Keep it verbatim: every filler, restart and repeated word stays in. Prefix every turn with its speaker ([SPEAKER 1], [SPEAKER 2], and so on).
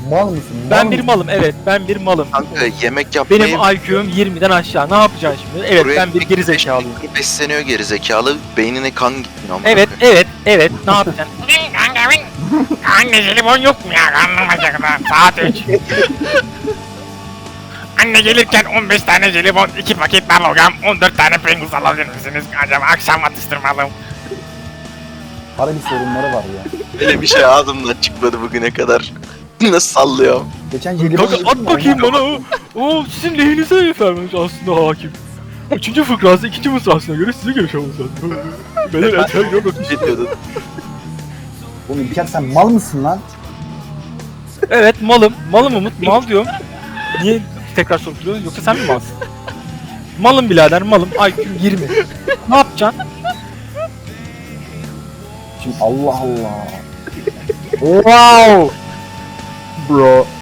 [SPEAKER 1] Mal mısın? Mal
[SPEAKER 2] Ben bir
[SPEAKER 1] mısın?
[SPEAKER 2] malım, evet ben bir malım.
[SPEAKER 3] Kanka yemek yapmayı...
[SPEAKER 2] Benim I Q'm yirmiden aşağı. Ne yapacaksın şimdi? Evet
[SPEAKER 3] Buraya
[SPEAKER 2] ben bir
[SPEAKER 3] tek
[SPEAKER 2] geri
[SPEAKER 3] beş
[SPEAKER 2] zekalıyım.
[SPEAKER 3] dakika besleniyor geri zekalı. Beynine kan gitmiyor ama.
[SPEAKER 2] Evet, evet, evet. Ne yapacaksın?
[SPEAKER 4] Kanka ben... Anne jelibon yok mu ya? Karnım acıktı. Saat üç. Anne gelirken on beş tane jelibon, iki paket balogam, on dört tane Pringles alabilir misiniz? Acaba akşam atıştırmalım.
[SPEAKER 1] Para bir sorunları var ya.
[SPEAKER 3] Öyle bir şey ağzımdan çıkmadı bugüne kadar. Nasıl sallıyor?
[SPEAKER 1] Geçen jelibon
[SPEAKER 2] Kanka
[SPEAKER 1] yedim
[SPEAKER 2] at
[SPEAKER 1] mi?
[SPEAKER 2] bakayım bana o. O sizin lehinize efendim aslında hakim. Üçüncü fıkrası ikinci mısrasına göre size göre şaması lazım. Benim eter yok.
[SPEAKER 3] Ne diyordun?
[SPEAKER 1] Oğlum İlker sen mal mısın lan?
[SPEAKER 2] Evet malım. Malım Umut. Mal diyorum. Niye tekrar sorup duruyorsun? Yoksa sen mi malsın? Malım birader malım. I Q'm yirmi. Ne yapacaksın?
[SPEAKER 1] Şimdi Allah Allah. Wow. Bro.